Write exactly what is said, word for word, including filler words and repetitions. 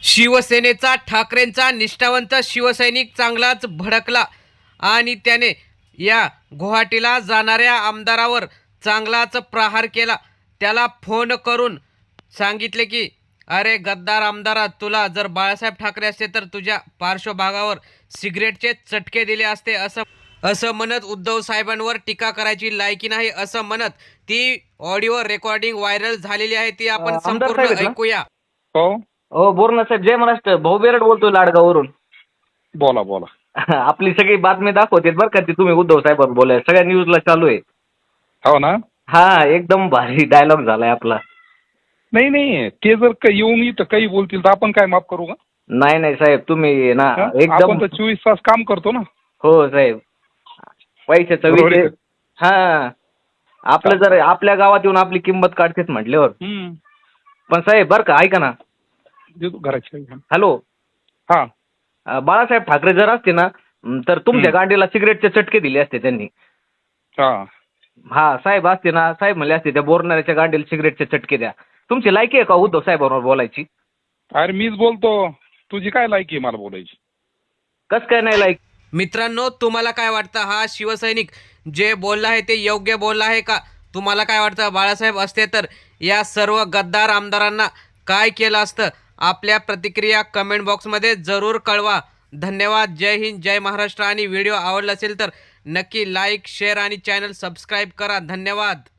शिवसेनेचा ठाकरेंचा निष्ठावंत शिवसैनिक चांगलाच भडकला आणि त्याने या गुवाहाटीला जाणाऱ्या आमदारावर चांगलाच प्रहार केला. त्याला फोन करून सांगितले की अरे गद्दार आमदारा, तुला जर बाळासाहेब ठाकरे असते तर तुझ्या पार्श्वभागावर सिगरेटचे चटके दिले असते. असं असं म्हणत उद्धव साहेबांवर टीका करायची लायकी नाही असं म्हणत ती ऑडिओ रेकॉर्डिंग व्हायरल झालेली आहे. ती आपण अं, आमदार संपूर्ण साहेब आहेत ना? ऐकूया. हो, हो बोरना साहेब, जय महाराष्ट्र. भाऊ बेरड बोलतोय लाडगाववरून. बोला बोला. आपली सगळी बातमी दाखवते बरं का, ती तुम्ही उद्धव साहेबांवर बोलाय सगळ्या न्यूजला चालू आहे. हो ना. हा, एकदम भारी डायलॉग झालाय आपला. नाही नाही, ते जर का येऊन इथं काही बोलतील तर आपण काय माफ करू का? नाही नाही साहेब, तुम्ही ना हं? एकदम. आपण तर चोवीस तास काम करतो ना. हो साहेब, पैशाचा बरोबर आहे विषय. हा, आपलं जर आपल्या गावात येऊन आपली किंमत काढतेच म्हटल्यावर. हम्म. पण साहेब बरं का, ऐका ना. देतो घराची. हॅलो, हा अं, बाळासाहेब ठाकरे जर असते ना अं, तर तुमच्या हम्म. गांडीला सिगरेटचे चटके दिले असते त्यांनी. हा हा साहेब असते ना, साहेब म्हणले असते त्या बोरणाऱ्याच्या गांडीला सिगरेटचे चटके द्या. तुमची लायकी आहे का उद्धव साहेबांवर बोलायची? अरे मीच बोलतो, तुझी काय लायकी आहे मला बोलायची? कस काय नाही लायक? मित्रांनो, तुम्हाला काय वाटतं, हा शिवसैनिक जे बोलला आहे ते योग्य बोलला आहे का? तुम्हाला काय वाटतं, बाळासाहेब असते तर या सर्व गद्दार आमदारांना काय केलं असतं? आपल्या प्रतिक्रिया कमेंट बॉक्समध्ये जरूर कळवा. धन्यवाद. जय हिंद, जय महाराष्ट्र. आणि व्हिडिओ आवडला असेल तर नक्की लाईक, शेअर आणि चॅनल सबस्क्राईब करा. धन्यवाद.